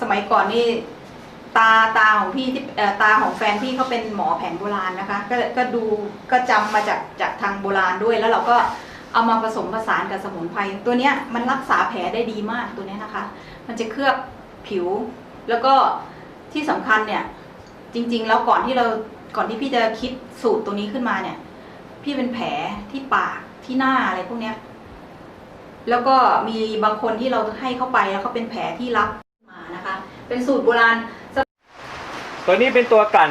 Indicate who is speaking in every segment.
Speaker 1: มัยก่อนนี่ตาของพี่ที่ตาของแฟนพี่เขาเป็นหมอแผนโบราณนะคะก็ดูก็จำมาจากทางโบราณด้วยแล้วเราก็เอามาผสมผสานกับสมุนไพรตัวเนี้ยมันรักษาแผลได้ดีมากตัวเนี้ยนะคะมันจะเคลือบผิวแล้วก็ที่สำคัญเนี่ยจริงๆแล้วก่อนที่พี่จะคิดสูตรตัวนี้ขึ้นมาเนี่ยพี่เป็นแผลที่ปากที่หน้าอะไรพวกเนี้ยแล้วก็มีบางคนที่เราให้เข้าไปแล้วเขาเป็นแผลที่รับมานะคะเป็นสูตรโบราณ
Speaker 2: ตัวนี้เป็นตัวกลั่น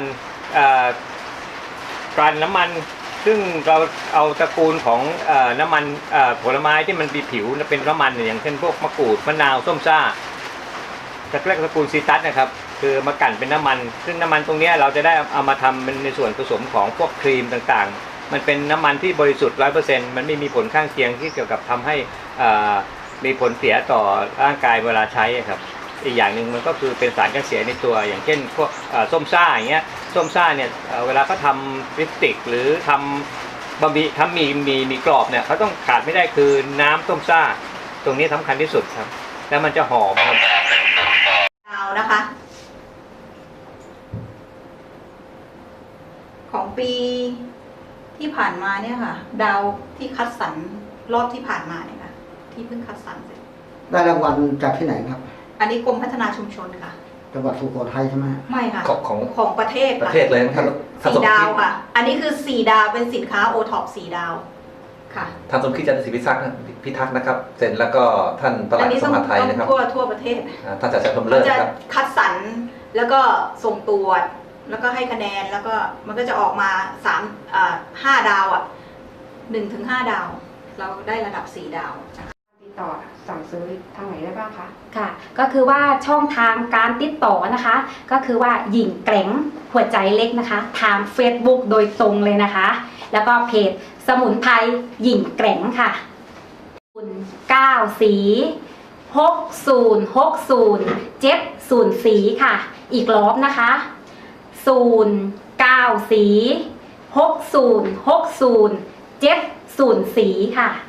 Speaker 2: น้ำมันซึ่งเราเอาตระกูลของน้ำมันผลไม้ที่มันมีผิวเป็นน้ำมันอย่างเช่นพวกมะกรูดมะนาวส้มซ่าจะเรียกตระกูลซีตัสนะครับคือมากั่นเป็นน้ำมันซึ่งน้ำมันตรงนี้เราจะได้เอามาทำเป็นในส่วนผสมของพวกครีมต่างๆมันเป็นน้ำมันที่บริสุทธิ์ 100% มันไม่มีผลข้างเคียงที่เกี่ยวกับทำให้มีผลเสียต่อร่างกายเวลาใช้ครับอีกอย่างหนึ่งมันก็คือเป็นสารกันเสียในตัวอย่างเช่นพวกส้มซ่าอย่างเงี้ยส้มซ่าเนี่ยเวลาเขาทำลิปสติกหรือทำบะหมี่ทำมีกรอบเนี่ยเขาต้องขาดไม่ได้คือน้ำส้มซ่าตรงนี้สำคัญที่สุดครับแล้วมันจะหอมครับ
Speaker 1: ดาวนะคะของปีที่ผ่านมาเนี่ยค่ะดาวที่คัดสรรรอบที่ผ่านมาเนี่ยค่ะที่เพิ่งคัดสรรเสร็จ
Speaker 3: ได้รางวัลจากที่ไหนครับ
Speaker 1: อันนี้กรมพัฒนาชุมชนค่ะ
Speaker 3: จังหวัดสุโขทัยใช่ไหม
Speaker 1: ไม่ค่ะ
Speaker 4: ของ
Speaker 1: ประเทศ
Speaker 4: เลยนะครับ
Speaker 1: 4 ดาวค่ะอันนี้คือ4 ดาวเป็นสินค้าโอท็อป4 ดาวค่ะ
Speaker 4: ท่านสมคิดจันทร์ศรีพิทักษ์นะครับเซ็นแล้วก็ท่านปลัดสภาไทยนะครับ
Speaker 1: ทั่วประเทศ
Speaker 4: ท่านจัดชมเลิศครับ
Speaker 1: คัดสรรแล้วก็ส่งตรวจแล้วก็ให้คะแนนแล้วก็มันก็จะออกมา5 ดาว1 ถึง 5 ดาวเราได้ระดับ4 ดาว
Speaker 5: ติดต่อสั่งซื้อทางไหนได้บ้างคะค่ะก็คือว่าช่องทางการติดต่อนะคะก็คือว่าหญิงแกร่งหัวใจเล็กนะคะทาง Facebook โดยตรงเลยนะคะแล้วก็เพจสมุนไพรหญิงแกร่งค่ะ9 สี6060 70 สีค่ะอีกรอบนะคะ09 สี6060 70 สีค่ะ